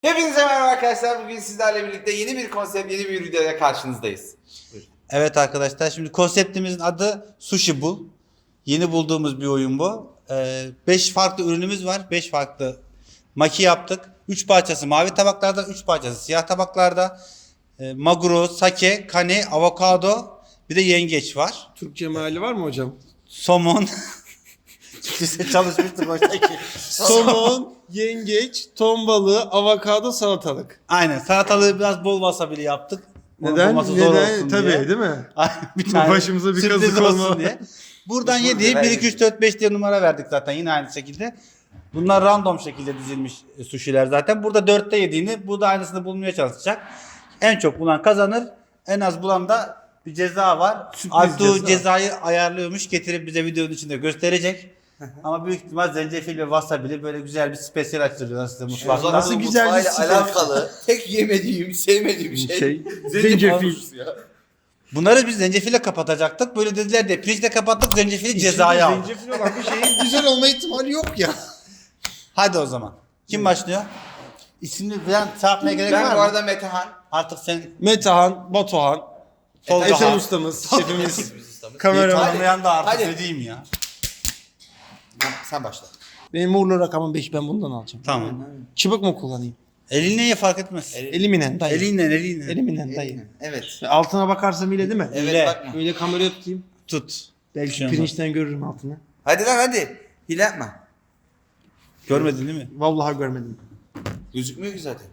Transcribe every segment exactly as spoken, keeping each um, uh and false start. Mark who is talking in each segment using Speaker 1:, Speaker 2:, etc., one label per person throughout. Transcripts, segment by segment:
Speaker 1: Hepinize merhaba arkadaşlar. Bugün sizlerle birlikte yeni bir konsept, yeni bir videoya karşınızdayız. Buyurun.
Speaker 2: Evet arkadaşlar, şimdi konseptimizin adı Sushi Bu. Yeni bulduğumuz bir oyun bu. beş farklı ürünümüz var. beş farklı maki yaptık. üç parçası mavi tabaklarda, üç parçası siyah tabaklarda. E, maguro, sake, kane, avokado, bir de yengeç var.
Speaker 3: Türkçe meali var mı hocam?
Speaker 2: Somon. Biz çalışmıştık oradaki.
Speaker 3: Somon, yengeç, ton balığı, avokado, salatalık.
Speaker 2: Aynen, salatalığı biraz bol wasabi'li yaptık. Onun
Speaker 3: Neden?
Speaker 2: bulması zor
Speaker 3: Neden?
Speaker 2: olsun
Speaker 3: Tabii
Speaker 2: diye.
Speaker 3: değil mi?
Speaker 2: bir tane
Speaker 3: Başımıza bir
Speaker 2: sürpriz
Speaker 3: kazık
Speaker 2: olsun
Speaker 3: olma.
Speaker 2: diye. Buradan
Speaker 1: Usul
Speaker 2: yediği
Speaker 1: de
Speaker 2: bir iki üç dört beş diye numara verdik zaten yine aynı şekilde. Bunlar random şekilde dizilmiş e, suşiler zaten. Burada dörtte yediğini, burada aynısını bulmaya çalışacak. En çok bulan kazanır. En az bulan da bir ceza var.
Speaker 3: Sürpriz
Speaker 2: Altuğ
Speaker 3: ceza.
Speaker 2: cezayı ayarlıyormuş, getirip bize videonun içinde gösterecek. Ama büyük ihtimal zencefil ve wasabi'li böyle güzel bir spesiyel açtırıyorlar size mutfakta.
Speaker 3: Nasıl güzel bir
Speaker 1: mutfağıyla
Speaker 3: spesiyel.
Speaker 1: alakalı tek yemediğim, sevmediğim şey,
Speaker 3: Şey,
Speaker 1: zencefil.
Speaker 3: zencefil.
Speaker 1: Ya.
Speaker 2: Bunları biz zencefille kapatacaktık. Böyle dediler de pirinçle kapattık, zencefili cezaya aldık.
Speaker 3: Zencefil olan bir şeyin güzel olma ihtimali yok ya.
Speaker 2: Hadi o zaman. Kim başlıyor? İsmini falan çarpmaya gerek
Speaker 1: Ben
Speaker 2: var
Speaker 1: bu
Speaker 2: mı?
Speaker 1: arada Metehan.
Speaker 2: Artık sen
Speaker 3: Metehan, Batuhan,
Speaker 2: Tolga
Speaker 3: Ethem
Speaker 2: Han.
Speaker 3: ustamız, şefimiz,
Speaker 1: ustamız.
Speaker 3: kameraman.
Speaker 2: tanımayan da artık
Speaker 1: Hadi.
Speaker 2: ne diyeyim ya.
Speaker 1: Sen başla.
Speaker 3: Benim uğurlu rakamım beş, ben bundan alacağım.
Speaker 2: Tamam.
Speaker 3: Çıbık mı kullanayım?
Speaker 2: Elinle ye fark etmez.
Speaker 3: Eliminen dayı.
Speaker 2: Elinle elinle.
Speaker 3: Eliminen dayı.
Speaker 1: Evet.
Speaker 3: Altına bakarsam ile değil mi?
Speaker 1: Evet
Speaker 2: Hile.
Speaker 1: bakma.
Speaker 3: Öyle kameraya tutayım.
Speaker 2: Tut.
Speaker 3: Belki
Speaker 2: Şey olmaz.
Speaker 3: pirinçten görürüm altını.
Speaker 1: Hadi lan hadi. Hile yapma.
Speaker 2: Görmedin değil mi?
Speaker 3: Vallahi görmedim.
Speaker 1: Gözükmüyor ki zaten.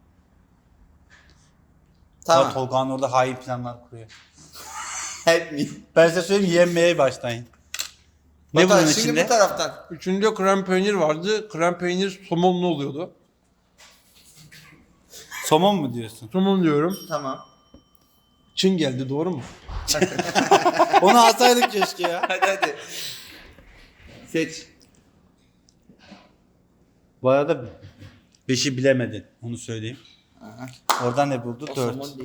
Speaker 2: Tamam.
Speaker 1: Tamam.
Speaker 2: Tolga'nın orada hain planlar kuruyor.
Speaker 1: Help me.
Speaker 2: Ben size söyleyeyim yenmeye başlayın. Ne
Speaker 1: Batuhan,
Speaker 2: bunun
Speaker 1: şimdi
Speaker 2: içinde?
Speaker 1: bu taraftan.
Speaker 3: Üçüncü krem peynir vardı. Krem peynir somonlu oluyordu.
Speaker 2: Somon mu diyorsun?
Speaker 3: Somon diyorum.
Speaker 1: Tamam.
Speaker 3: Çin geldi, doğru mu?
Speaker 2: Onu alsaydık keşke ya.
Speaker 1: Hadi hadi. Seç.
Speaker 2: Bu arada beşi bilemedin. Onu söyleyeyim.
Speaker 1: Aha.
Speaker 2: Oradan ne buldu?
Speaker 1: O
Speaker 2: Dört.
Speaker 1: somon değil.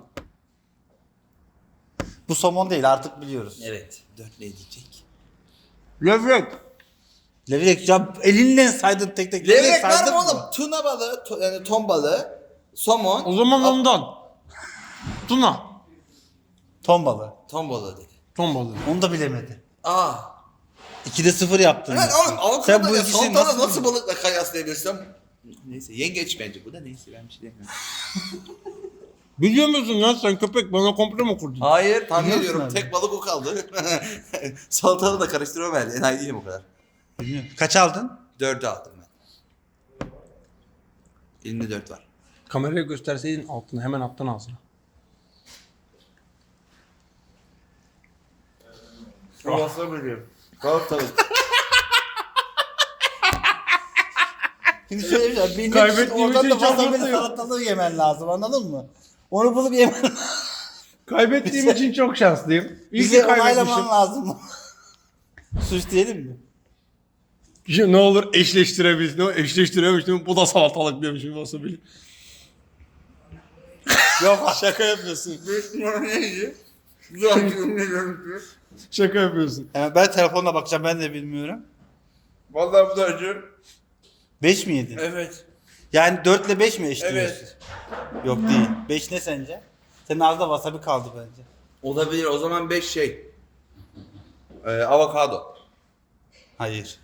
Speaker 2: Bu somon değil artık biliyoruz.
Speaker 1: Evet. Dört ne diyecek?
Speaker 3: Levrek.
Speaker 2: Levrek ya elinle saydın tek tek.
Speaker 1: Levrek var
Speaker 2: saydın
Speaker 1: mı oğlum? Tuna balığı, to- yani ton balığı, somon.
Speaker 3: O zaman
Speaker 1: Al-
Speaker 3: ondan. Tuna.
Speaker 2: Ton balığı.
Speaker 1: Ton balığı dedi.
Speaker 3: Ton balığı.
Speaker 2: Onu da bilemedi.
Speaker 1: Aa.
Speaker 2: ikide sıfır yaptın.
Speaker 1: Evet
Speaker 2: ya.
Speaker 1: oğlum avokado
Speaker 2: Sen bu
Speaker 1: ya
Speaker 2: ikisini
Speaker 1: salatalı
Speaker 2: nasıl,
Speaker 1: nasıl, balıkla kıyaslayabilirsem? Neyse yengeç bence bu da, neyse ben bir şey demiyorum.
Speaker 3: Biliyor musun lan sen köpek, bana komplo mu kurdun?
Speaker 1: Hayır tahmin
Speaker 2: Biliyor
Speaker 1: ediyorum,
Speaker 2: musun abi?
Speaker 1: tek balık o kaldı. Salatalı da karıştırma verdi, enayi değilim o kadar.
Speaker 2: Bilmiyorum. Kaç aldın?
Speaker 1: Dördü aldım ben. Elimde dört var.
Speaker 3: Kameraya gösterseydin altına, hemen alttan ağzına.
Speaker 1: Nasıl biliyorum? Salatalı.
Speaker 2: Şimdi şöyle bir şey. Bilmek
Speaker 3: Kaybettiğim
Speaker 2: oradan
Speaker 3: için
Speaker 2: da
Speaker 3: çok
Speaker 2: wasabi'li
Speaker 3: mutluyum.
Speaker 2: salatalığı yemen lazım, anladın mı? Onu bulup yemen lazım.
Speaker 3: Kaybettiğim için çok şanslıyım. İyi ki
Speaker 2: Bize
Speaker 3: kaybetmişim.
Speaker 2: onaylaman lazım. Suç diyelim mi?
Speaker 3: Ya ne olur eşleştirebilsin. O eşleştiremiştim. Bu da salatalık demişim wasabi.
Speaker 2: Yok şaka yapıyorsun.
Speaker 1: Neydi?
Speaker 3: Şaka yapıyorsun.
Speaker 2: Yani ben telefonla bakacağım, ben de bilmiyorum.
Speaker 1: Vallahi bu da acı.
Speaker 2: beş mi yedin?
Speaker 1: Evet.
Speaker 2: Yani dört ile beş mi eşliyorsun?
Speaker 1: Evet.
Speaker 2: Yok değil. beş ne sence? Senin ağzında wasabi kaldı bence.
Speaker 1: Olabilir, o zaman beş şey. Ee, avokado.
Speaker 2: Hayır.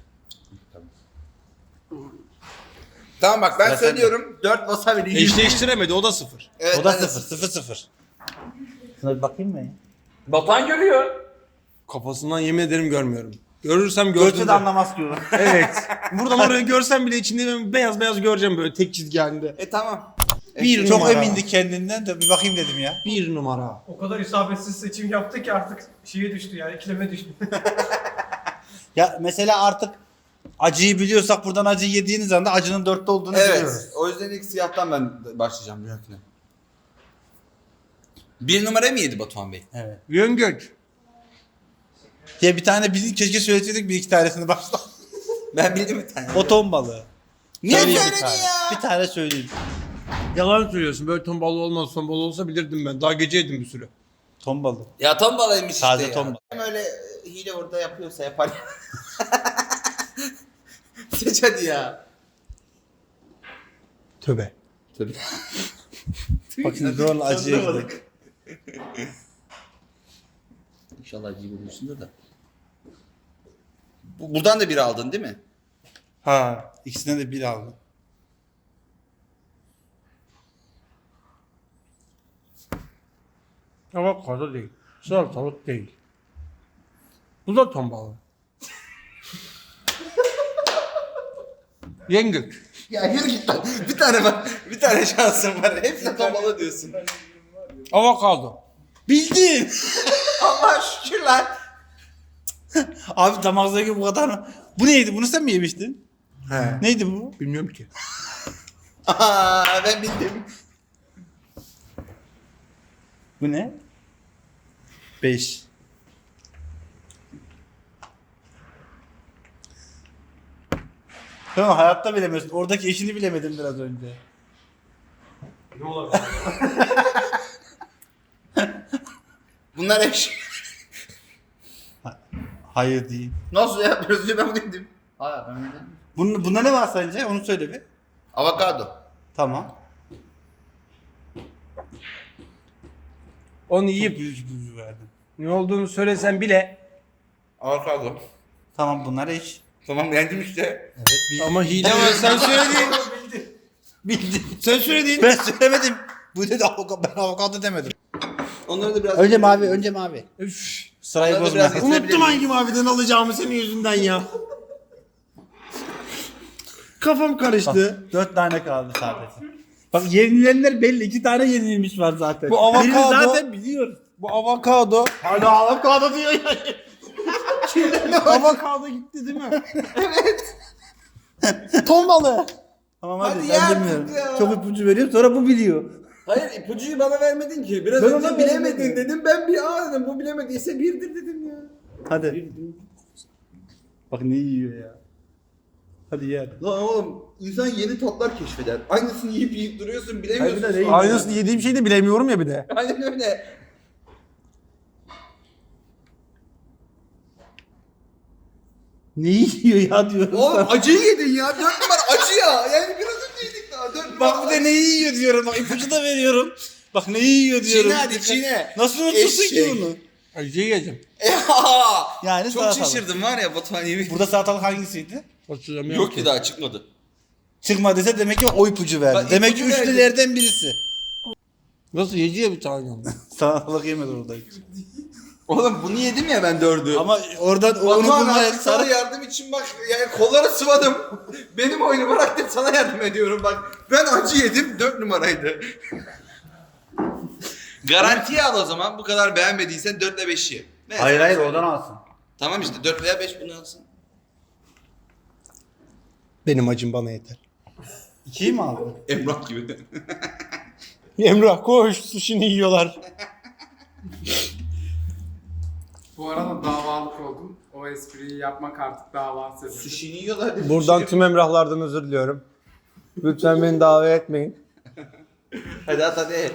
Speaker 1: Tamam bak ben
Speaker 2: Sıra
Speaker 1: söylüyorum. dört wasabi değil.
Speaker 3: Eşleştiremedi, o da sıfır.
Speaker 1: Evet,
Speaker 2: O da
Speaker 1: ben de
Speaker 2: sıfır. Sıfır sıfır. Şuna bir bakayım mı ya?
Speaker 1: Batuhan görüyor.
Speaker 3: Kafasından yemin ederim görmüyorum. Görürsem
Speaker 2: Görsün
Speaker 3: gördüm.
Speaker 2: de anlamaz ki o.
Speaker 3: Evet. Buradan oraya görsem bile içinde ben beyaz beyaz göreceğim böyle tek çizgi halinde.
Speaker 1: E tamam.
Speaker 3: Bir
Speaker 2: Çok
Speaker 3: numara.
Speaker 2: emindi kendinden de bir bakayım dedim ya.
Speaker 3: Bir numara.
Speaker 4: O kadar isabetsiz seçim yaptı ki artık şeye düştü yani ikileme düştü.
Speaker 2: Ya mesela artık acıyı biliyorsak buradan acıyı yediğiniz anda acının dörtte olduğunu
Speaker 1: Evet.
Speaker 2: biliyoruz.
Speaker 1: O yüzden ilk siyahtan ben başlayacağım Bülent'le. Bir numara mı yedi Batuhan Bey?
Speaker 2: Evet.
Speaker 3: Yengeç.
Speaker 2: Ya bir tane bilin, keşke söyleseydik bir iki tanesini başta.
Speaker 1: Ben bildim bir tane.
Speaker 2: O ton balığı.
Speaker 1: Niye
Speaker 2: Söyleyeyim bir
Speaker 1: söyledin
Speaker 2: tane.
Speaker 1: ya?
Speaker 2: Bir tane söyleyeyim.
Speaker 3: Yalan söylüyorsun. Böyle ton balığı olmaz. Ton balığı olsa bilirdim ben. Daha gece yedim bir süre.
Speaker 2: Ton balığı.
Speaker 1: Ya ton balığıymış
Speaker 2: Taze
Speaker 1: işte
Speaker 2: ton
Speaker 1: ya.
Speaker 2: balığı.
Speaker 1: Hem öyle e, hile orada yapıyorsa yapar ya. Seç hadi ya.
Speaker 3: Tövbe.
Speaker 1: Tabii.
Speaker 2: Bak şimdi doğru acıya gidiyor.
Speaker 1: İnşallah acıyı bulmuşsundur da. Bu, buradan da bir aldın değil mi?
Speaker 2: Ha, ikisinden de bir aldım.
Speaker 3: Avokado değil. Salatalık değil. Bu da ton balığı. Yengül.
Speaker 1: Ya yürü git lan. Bir tane var. Bir tane şansın var. Hepsine tomalı diyorsun.
Speaker 3: Avokado.
Speaker 2: Bildin.
Speaker 1: Allah şükür lan.
Speaker 2: Abi damaktaki bu kadar mı? Bu neydi? Bunu sen mi yemiştin?
Speaker 3: He.
Speaker 2: Neydi bu?
Speaker 3: Bilmiyorum ki.
Speaker 1: Aa, ben bildim.
Speaker 2: Bu ne? Beş. Tamam hayatta bilemiyorsun. Oradaki eşini bilemedim biraz önce.
Speaker 4: Ne olabilir?
Speaker 1: Bunlar eş.
Speaker 2: Hayır değil.
Speaker 1: Nasıl ya? Biraz önce ben bunu dedim. Hayır ben öyle dedim.
Speaker 2: Bunun, bunda ne var sence? Onu söyle bir.
Speaker 1: Avokado.
Speaker 2: Tamam.
Speaker 3: Onu
Speaker 2: Yiyip
Speaker 3: yiyip
Speaker 2: büyük büyük verdim.
Speaker 3: ne olduğunu söylesen bile
Speaker 1: Avokado.
Speaker 2: Tamam bunlar eş.
Speaker 1: Tamam yendim işte.
Speaker 2: Evet bildim.
Speaker 3: ama hile var sen söyledin.
Speaker 4: Bildi.
Speaker 2: Bildim.
Speaker 3: Sen söyledin.
Speaker 2: Ben söylemedim. Bu dedi avokado. Ben avokado demedim.
Speaker 1: Onları da biraz...
Speaker 2: Önce mavi, önce mavi.
Speaker 3: Üf.
Speaker 2: Sırayı
Speaker 1: Onları da
Speaker 2: bozma.
Speaker 1: biraz-
Speaker 3: Unuttum hangi maviden alacağımı senin yüzünden ya. Kafam karıştı.
Speaker 2: Dört tane kaldı sadece. Bak yenilenler belli. İki tane yenilmiş var zaten.
Speaker 3: Bu avokado-
Speaker 2: Birini zaten biliyoruz.
Speaker 3: Bu avokado.
Speaker 2: Hala avokado diyor ya.
Speaker 3: Avokado gitti değil mi? Evet. Ton balığı.
Speaker 2: Tamam hadi,
Speaker 1: Hadi
Speaker 2: ben
Speaker 1: ya
Speaker 2: bilmiyorum.
Speaker 1: artık ya.
Speaker 2: Çok ipucu veriyorum sonra bu biliyor.
Speaker 1: Hayır ipucuyu bana vermedin ki. Biraz
Speaker 2: Ben
Speaker 1: önce
Speaker 2: ona
Speaker 1: bilemedin
Speaker 2: vermedim.
Speaker 1: dedim. Ben bir aa dedim. Bu bilemediyse birdir dedim ya.
Speaker 2: Hadi. Bak ne yiyor ya. Hadi yer.
Speaker 1: Lan oğlum insan yeni tatlar keşfeder. Aynısını yiyip yiyip duruyorsun bilemiyorsun.
Speaker 2: Hayır, bir de
Speaker 1: sonra.
Speaker 3: Aynısını yediğim şeyi de bilemiyorum ya bir de.
Speaker 1: Aynen öyle.
Speaker 2: Ne yiyor ya diyorum.
Speaker 1: Oğlum
Speaker 2: sana.
Speaker 1: acıyı yedin ya. Dört numara acı ya. Yani biraz önce yedik daha. Dört numara
Speaker 2: Bak bir de ne yiyor diyorum. Bak ipucu da veriyorum. Bak ne yiyor diyorum.
Speaker 1: Çiğne hadi çiğne.
Speaker 2: Nasıl unutursun ki
Speaker 1: Eşek.
Speaker 2: bunu?
Speaker 3: Acı yiyeceğim.
Speaker 2: Yani
Speaker 1: Çok
Speaker 2: salatalık.
Speaker 1: şaşırdım var ya Batuhan yemin.
Speaker 2: Burada salatalık hangisiydi?
Speaker 3: Hatırlamıyorum
Speaker 1: Yok ki daha çıkmadı.
Speaker 2: Çıkmadıysa demek ki o ipucu verdi.
Speaker 1: Bak,
Speaker 2: demek
Speaker 1: ipucu
Speaker 2: ki
Speaker 1: verdi.
Speaker 2: üçlülerden birisi.
Speaker 3: Nasıl yediye bir tane ama.
Speaker 2: Salatalık yemedi orada.
Speaker 1: Oğlum bunu yedim ya ben dördü.
Speaker 2: Ama oradan onu
Speaker 1: Batuhan
Speaker 2: bulmaya
Speaker 1: artık sana
Speaker 2: sarı...
Speaker 1: yardım için bak yani kolları sıvadım. Benim oyunu bıraktım sana yardım ediyorum bak. Ben acı yedim dört numaraydı. Garantiye al o zaman bu kadar beğenmediysen dört ile beşi. Ne?
Speaker 2: Hayır hayır oradan alsın.
Speaker 1: Tamam işte dört veya beş bunu alsın.
Speaker 3: Benim acım bana yeter.
Speaker 2: İkiyi mi aldın?
Speaker 1: Emrah gibi.
Speaker 3: Emrah koş sushi'ni yiyorlar.
Speaker 5: Bu arada davalık oldum. O espriyi yapmak artık dava sebebi.
Speaker 1: Sushi'ni yiyorlar dedi.
Speaker 3: Buradan tüm Emrahlardan özür diliyorum. Lütfen beni davet etmeyin.
Speaker 1: Hadi at hadi.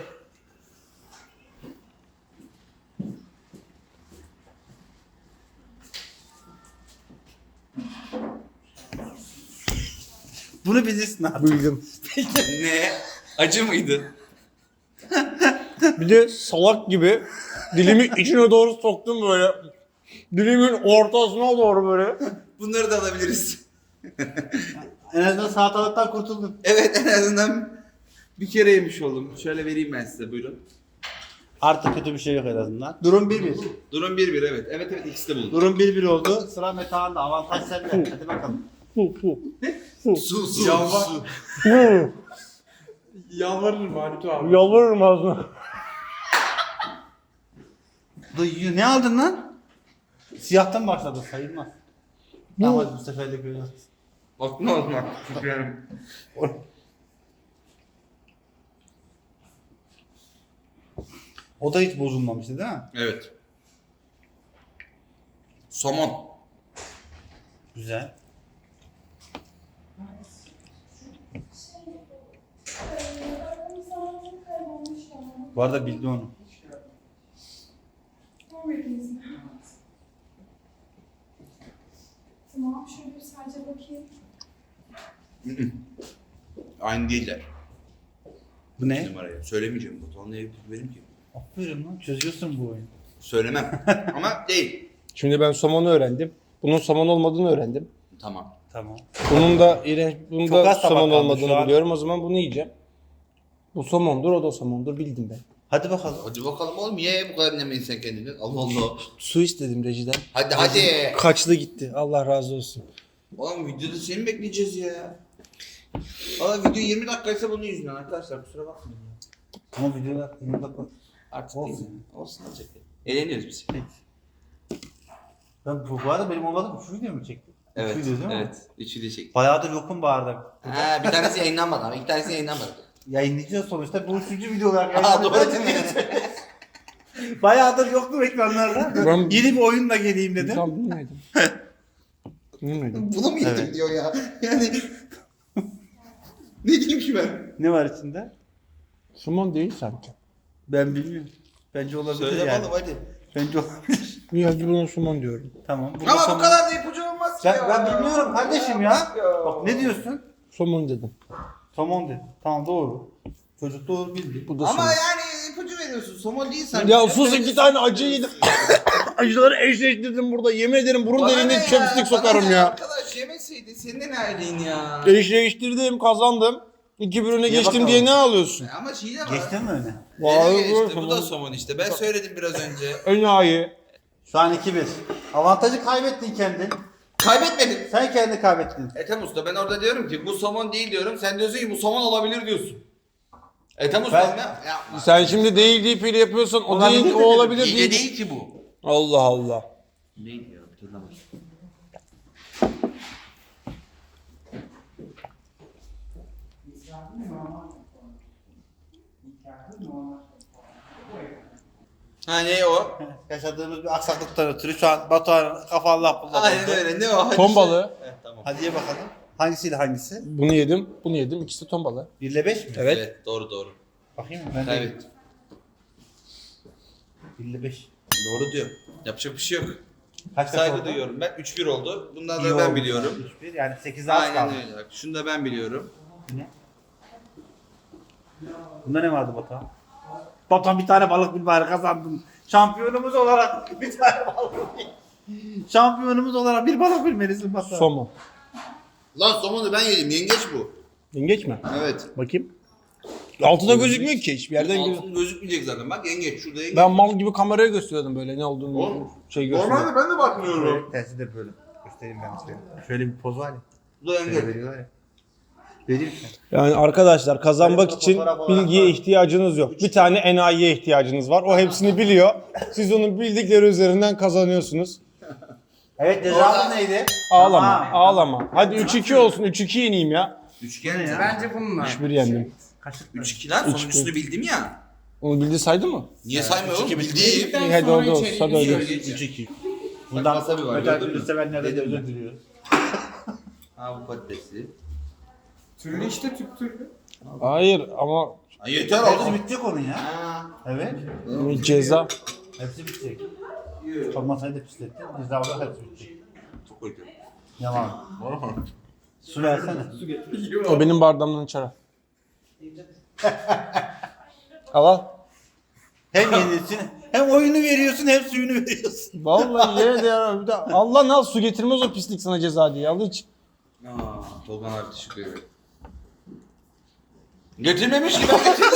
Speaker 2: Bunu bilirsin abi.
Speaker 3: Bildim.
Speaker 1: Ne? Acı mıydı?
Speaker 3: Bir de salak gibi dilimi içine doğru soktum böyle. Dilimin ortasına doğru böyle.
Speaker 1: Bunları da alabiliriz.
Speaker 2: En azından salatalıktan kurtuldun.
Speaker 1: Evet en azından bir kere yemiş oldum. Şöyle vereyim ben size buyurun.
Speaker 2: Artık kötü bir şey yok en azından. Durum bir bir.
Speaker 1: Durum bir bir evet. Evet evet ikisi de buldu.
Speaker 2: Durum bir bir oldu. Sıra Metehan'da. Avantaj sende. Hadi bakalım.
Speaker 3: Fu fu.
Speaker 1: Su su
Speaker 5: Yalvar.
Speaker 1: su.
Speaker 3: Fu.
Speaker 5: Yalvarırım Halit abi.
Speaker 3: Yalvarırım ağzına.
Speaker 2: Dayı ne aldın lan? Siyahtan başladı sayılmaz. Tamam hadi bu seferlik öyle.
Speaker 1: Bak ne oldu bak.
Speaker 2: O da hiç bozulmamıştı değil mi?
Speaker 1: Evet. Somon.
Speaker 2: Güzel. Bu arada bildi onu.
Speaker 6: Tamam, şöyle bir sadece bakayım.
Speaker 1: Aynı değiller.
Speaker 2: Bu ne?
Speaker 1: Numarayı. Söylemeyeceğim. Batuhan'la evlilik benim ki.
Speaker 2: Aferin lan çözüyorsun bu oyunu.
Speaker 1: Söylemem. Ama değil.
Speaker 3: Şimdi ben somonu öğrendim. Bunun somon olmadığını öğrendim.
Speaker 1: Tamam.
Speaker 2: Tamam.
Speaker 3: Bunun da iğrenç, bunun
Speaker 2: Çok
Speaker 3: da
Speaker 2: az tabak
Speaker 3: somon
Speaker 2: kaldı
Speaker 3: olmadığını
Speaker 2: şu an.
Speaker 3: biliyorum. O zaman bunu yiyeceğim. Bu somondur, o da somondur, bildim ben.
Speaker 2: Hadi bakalım.
Speaker 1: Hadi bakalım oğlum. Niye bu kadar dinlemeyin sen kendini? Allah Allah.
Speaker 3: Su istedim rejiden.
Speaker 1: Hadi hadi.
Speaker 3: Kaçtı gitti. Allah razı olsun.
Speaker 1: Oğlum videoda seni mi bekleyeceğiz ya? Valla video yirmi dakikaysa bunun yüzünden arkadaşlar kusura bakmayın.
Speaker 2: Ama videoda yirmi dakika.
Speaker 1: Artık
Speaker 2: Olsun.
Speaker 1: olsun. Olsun olacak. Eğleniyoruz biz.
Speaker 2: Ben bu, bu arada benim olmadı üç video mu çektim?
Speaker 1: Evet.
Speaker 2: Üç video değil mi?
Speaker 1: Evet. Üçü de çektik.
Speaker 2: Bayağıdır yokum bağırdım.
Speaker 1: Ha, bir tanesi yayınlanmadı ama iki tanesi yayınlanmadı.
Speaker 2: Yayınlayacağız sonuçta. Bu üçüncü video olarak
Speaker 1: Aa, doğru
Speaker 2: yayınlanacak. Bayağıdır yoktum ekranlarda.
Speaker 3: Ben-
Speaker 2: Yeni bir oyunla geleyim dedim.
Speaker 3: Tam bilmiyordum. Bilmiyordum.
Speaker 1: Bunu mu yedim
Speaker 2: Evet.
Speaker 1: diyor ya. Yani ne diyeyim ki ben?
Speaker 2: Ne var içinde?
Speaker 3: Somon değil sanki.
Speaker 2: Ben bilmiyorum. Bence olabilir
Speaker 1: Söyle
Speaker 2: yani.
Speaker 1: bakalım hadi.
Speaker 2: Bence olabilir.
Speaker 3: Niye hadi buna somon diyorum.
Speaker 2: Tamam. burada
Speaker 1: Ama
Speaker 2: somon-
Speaker 1: bu kadar da ipucu olmaz ki
Speaker 2: Ben,
Speaker 1: ya.
Speaker 2: ben bilmiyorum kardeşim ya. Bak ne diyorsun?
Speaker 3: Somon dedim.
Speaker 2: Somon dedi. Tamam doğru. Çocuk doğru bildi.
Speaker 3: Bu da
Speaker 1: Ama
Speaker 3: somon.
Speaker 1: yani ipucu veriyorsun. Somon değil sanki.
Speaker 3: Ya sus iki tane acı yedim. Acıları eşleştirdim burada. Yemin ederim burun
Speaker 1: Bana ne
Speaker 3: deliğine
Speaker 1: ya?
Speaker 3: chopstick
Speaker 1: Bana
Speaker 3: sokarım
Speaker 1: ne
Speaker 3: ya.
Speaker 1: Arkadaş yemeseydin senin de neredeydin ya?
Speaker 3: Eşleştirdim, kazandım. İki bir öne geçtim
Speaker 2: bakalım.
Speaker 3: diye ne ağlıyorsun?
Speaker 1: Ama şey de var.
Speaker 2: Geçtin mi öne?
Speaker 3: Vay
Speaker 1: Öyle
Speaker 3: be,
Speaker 1: geçti. Bu da
Speaker 3: somon.
Speaker 1: somon işte. Ben söyledim biraz önce.
Speaker 3: Enayi.
Speaker 2: Şu an iki bir. Avantajı kaybettin kendin.
Speaker 1: Kaybetmedim.
Speaker 2: Sen kendi kaybettin.
Speaker 1: Ethem Usta ben orada diyorum ki bu somon değil diyorum. Sen diyorsun ki bu somon olabilir diyorsun. Ethem Usta
Speaker 2: Ben-
Speaker 1: ne? Yapma.
Speaker 3: Sen şimdi değil deyip ile yapıyorsan o
Speaker 2: Olabilir
Speaker 3: değil, o
Speaker 2: dedim.
Speaker 3: olabilir
Speaker 1: Hile
Speaker 3: değil.
Speaker 1: değil ki bu.
Speaker 3: Allah Allah.
Speaker 1: Değil ya hatırlamadım. Ha ne o?
Speaker 2: Yaşadığımız bir aksaklıktan ötürü şu an Batuhan'ın kafa Allah bullak
Speaker 1: Aynen
Speaker 2: oldu.
Speaker 1: öyle ne o? Hadi
Speaker 3: Ton
Speaker 1: şey-
Speaker 3: balığı.
Speaker 1: Evet, tamam.
Speaker 2: Hadi ye bakalım. Hangisiyle hangisi?
Speaker 3: Bunu yedim, bunu yedim. İkisi de ton balığı.
Speaker 2: bir ile beş mi?
Speaker 3: Evet.
Speaker 1: Evet doğru doğru.
Speaker 2: Bakayım mı? Ben de
Speaker 1: Evet.
Speaker 2: bir ile beş.
Speaker 1: Doğru diyor. Yapacak bir şey yok.
Speaker 2: Kaç kaç
Speaker 1: Saygı
Speaker 2: oldu?
Speaker 1: duyuyorum ben. üç bir oldu. Bundan
Speaker 2: İyi
Speaker 1: da ben
Speaker 2: oldu.
Speaker 1: biliyorum.
Speaker 2: üç bir yani sekiz az
Speaker 1: Aynen
Speaker 2: kaldı.
Speaker 1: öyle. Bak, şunu da ben biliyorum.
Speaker 2: Bunda ne vardı Batuhan? Batuhan bir tane balık bil bari kazandın. Şampiyonumuz olarak bir tane balık bil. Şampiyonumuz olarak bir balık bilmelisin Batuhan.
Speaker 3: Somon.
Speaker 1: Lan somonu ben yedim. Yengeç bu.
Speaker 3: Yengeç mi?
Speaker 1: Evet.
Speaker 3: Bakayım. Altında gözükmüyor ki hiçbir yerden gözükmüyor.
Speaker 1: Altın gözükmeyecek zaten. Bak yengeç. Şurada yengeç.
Speaker 3: Ben mal gibi kameraya gösteriyordum böyle ne olduğunu
Speaker 1: Oğlum,
Speaker 3: şey gösteriyordum.
Speaker 1: ben de bakmıyorum.
Speaker 2: Tersi de böyle. Göstereyim ben size. Şöyle bir poz var ya.
Speaker 1: Bu da
Speaker 2: Şöyle
Speaker 1: yengeç.
Speaker 2: veriyorlar ya. Vereyim mi?
Speaker 3: Yani arkadaşlar kazanmak
Speaker 2: Böyle
Speaker 3: için
Speaker 2: fotoğraf olarak
Speaker 3: bilgiye
Speaker 2: var.
Speaker 3: ihtiyacınız yok. Bir tane enayiye ihtiyacınız var. O hepsini biliyor. Siz onun bildikleri üzerinden kazanıyorsunuz.
Speaker 2: Evet cezamız neydi?
Speaker 3: Ağlama,
Speaker 2: Tamam.
Speaker 3: ağlama. Hadi üç iki olsun. üç iki yeneyim ya.
Speaker 1: Üçgen ya.
Speaker 5: Bence bununla.
Speaker 3: üç bir yendim.
Speaker 2: Kaşık
Speaker 1: üç iki lan. Sonuncusunu bildim ya.
Speaker 3: Onu bildi saydı mı?
Speaker 1: Niye saymıyorum?
Speaker 2: üç iki bitti.
Speaker 1: Bildiğim.
Speaker 5: Bildikten
Speaker 3: İyi, hadi
Speaker 5: sonra
Speaker 3: orada olsun,
Speaker 5: içeriği
Speaker 3: hadi öyle.
Speaker 5: söyleyeceğim.
Speaker 2: üç iki.
Speaker 1: Bak,
Speaker 2: Bundan
Speaker 1: wasabi var,
Speaker 2: özel
Speaker 1: gördün mü?
Speaker 2: ürün sevenlerden de
Speaker 1: Dedim
Speaker 2: özür
Speaker 1: ben.
Speaker 2: diliyoruz.
Speaker 1: Ha bu patatesli.
Speaker 5: Türlü işte tüp türlü.
Speaker 3: Hayır ama
Speaker 1: Ha, yeter
Speaker 2: Hepsi
Speaker 1: oğlum.
Speaker 2: bitecek onun ya.
Speaker 1: Ha.
Speaker 2: Evet.
Speaker 3: ceza.
Speaker 2: Hepsi bitecek. Olmasaydı da pislettin. Ceza olarak hepsi bitecek.
Speaker 1: Çok kötü.
Speaker 2: Yaman. Su versene.
Speaker 3: O benim bardağımdan içeri. Al al.
Speaker 2: Hem yenilsin hem oyunu veriyorsun hem suyunu veriyorsun.
Speaker 3: Vallahi yine de ya. Bir de Allah ne al su getirmez o pislik sana ceza diye. Al iç.
Speaker 1: Aa, Tolgan abi teşekkür ederim. Getirmemiş ki ben getirdim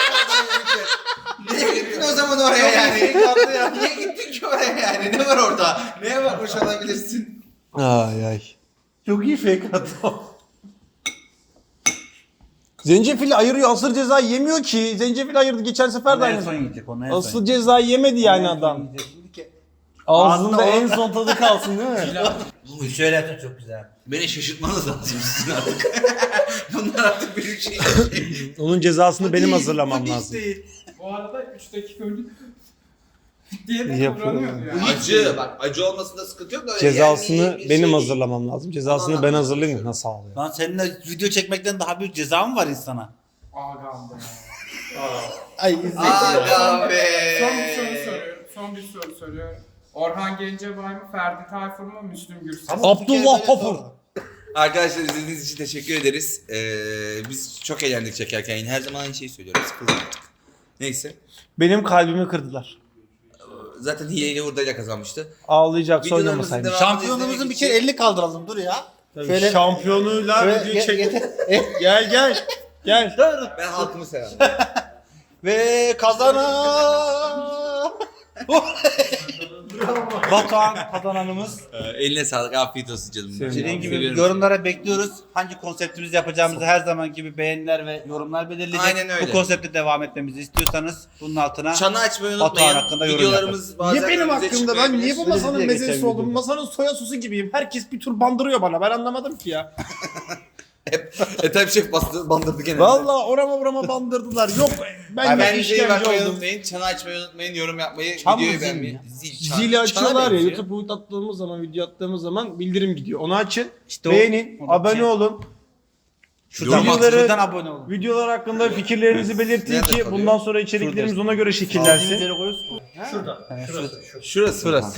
Speaker 1: sen. Niye gittin o zaman oraya yani? Niye gittin ki oraya yani? Ne var orada? Neye bakmış olabilirsin?
Speaker 3: Ay ay.
Speaker 2: Çok iyi fake attı.
Speaker 3: Zencefili ayırıyor. Asıl cezayı yemiyor ki. Zencefil ayırdı. Geçen sefer de
Speaker 2: En son
Speaker 3: aynı.
Speaker 2: yiyecek onu en son.
Speaker 3: Asıl cezayı yemedi yani
Speaker 2: En son
Speaker 3: adam.
Speaker 2: yiyecek. Şimdi ki-
Speaker 3: Ağzında
Speaker 2: Ağzında
Speaker 3: en
Speaker 2: o-
Speaker 3: son tadı kalsın değil mi?
Speaker 2: Bu şöyle yaptın çok güzel.
Speaker 1: Beni şaşırtmanız lazım sizin artık. Bunlar artık büyük şey.
Speaker 3: Onun cezasını benim
Speaker 2: Değil,
Speaker 3: hazırlamam
Speaker 2: bu hiç
Speaker 3: lazım.
Speaker 2: değil.
Speaker 5: Bu arada üç dakika önce diye de
Speaker 3: Yapıyorum.
Speaker 5: kıvranıyordu yani.
Speaker 1: Acı bak acı olmasında sıkıntı yok da.
Speaker 3: Cezasını
Speaker 1: yani bir
Speaker 3: benim
Speaker 1: şey-
Speaker 3: hazırlamam lazım. Cezasını ben hazırlayayım. Nasıl ağlıyor?
Speaker 2: Lan seninle video çekmekten daha büyük ceza mı var insana?
Speaker 5: Ağam be.
Speaker 2: Ay izle.
Speaker 1: Aga be.
Speaker 5: Son bir soru soruyorum. Son bir soru soruyorum. Orhan Gencebay mı, Ferdi Tayfur mu, Müslüm Gürses?
Speaker 2: Ama bir kere
Speaker 3: Abdullah
Speaker 2: böyle
Speaker 3: Topur.
Speaker 2: sor.
Speaker 1: Arkadaşlar izlediğiniz için teşekkür ederiz. Ee, biz çok eğlendik çekerken. Yine her zaman aynı şeyi söylüyoruz. Sıkıldım artık. Neyse.
Speaker 3: Benim kalbimi kırdılar.
Speaker 1: Zaten hileyle hurdayla kazanmıştı.
Speaker 3: Ağlayacak
Speaker 1: Videolarımızın
Speaker 3: oynamasaymış.
Speaker 1: devamını
Speaker 2: Şampiyonumuzun
Speaker 1: izlemek
Speaker 2: bir kere
Speaker 1: için-
Speaker 2: elini kaldıralım dur ya.
Speaker 3: Şöyle şampiyonuyla
Speaker 2: Şöyle
Speaker 3: videoyu
Speaker 2: ge-
Speaker 3: çek.
Speaker 2: getir.
Speaker 3: Gel gel. Gel.
Speaker 1: Ben halkımı severim.
Speaker 2: Ve kazanan Batuhan kazananımız.
Speaker 1: Ee, Eline sağlık. Afiyet olsun canım.
Speaker 2: Dediğim gibi
Speaker 1: Seviyorum
Speaker 2: yorumlara bekliyoruz. Hangi konseptimizi yapacağımızı her zaman gibi beğeniler ve yorumlar belirleyecek.
Speaker 1: Aynen öyle.
Speaker 2: Bu konsepte devam etmemizi istiyorsanız bunun altına
Speaker 1: Çanı açmayı
Speaker 2: Batuhan
Speaker 1: unutmayın.
Speaker 2: hakkında yorum
Speaker 1: Videolarımız bazen
Speaker 3: Niye benim
Speaker 1: önümüze
Speaker 3: hakkımda? Ben niye bu
Speaker 1: çıkmayabilir.
Speaker 3: masanın
Speaker 2: Öyle diye
Speaker 3: mezesi
Speaker 2: geçen
Speaker 3: oldum?
Speaker 2: videoda.
Speaker 3: Masanın soya sosu gibiyim. Herkes bir tur bandırıyor bana. Ben anlamadım ki ya.
Speaker 1: Hep Ethem Şef bastı, bandırdı genelde.
Speaker 3: Vallahi orama burama bandırdılar. Yok ben
Speaker 1: Ay,
Speaker 3: de
Speaker 1: ben videoyu
Speaker 3: işkence
Speaker 1: bakmayı
Speaker 3: oldum.
Speaker 1: unutmayın. Çanı açmayı unutmayın. Yorum yapmayı,
Speaker 2: Çan mı,
Speaker 1: videoyu
Speaker 2: zil mi
Speaker 1: beğenmeyi.
Speaker 2: ya?
Speaker 1: Zil, çan.
Speaker 3: Zili
Speaker 1: Çana
Speaker 3: açıyorlar ya.
Speaker 1: benziyor.
Speaker 3: YouTube boyut attığımız zaman, video attığımız zaman bildirim gidiyor. Onu açın.
Speaker 2: İşte o-
Speaker 3: beğenin,
Speaker 2: o da
Speaker 3: abone
Speaker 2: şey-
Speaker 3: olun.
Speaker 2: şuradan,
Speaker 3: Videoları-
Speaker 2: şuradan abone olun.
Speaker 3: Videolar hakkında fikirlerinizi belirtin
Speaker 1: Nerede
Speaker 3: ki
Speaker 1: kalıyor?
Speaker 3: bundan sonra içeriklerimiz
Speaker 2: Şurada.
Speaker 3: ona göre
Speaker 2: Sağ
Speaker 3: şekillensin.
Speaker 2: koyuyorsun.
Speaker 4: Şurada.
Speaker 2: Yani
Speaker 4: Şurası.
Speaker 1: Şurası.
Speaker 2: Şurası.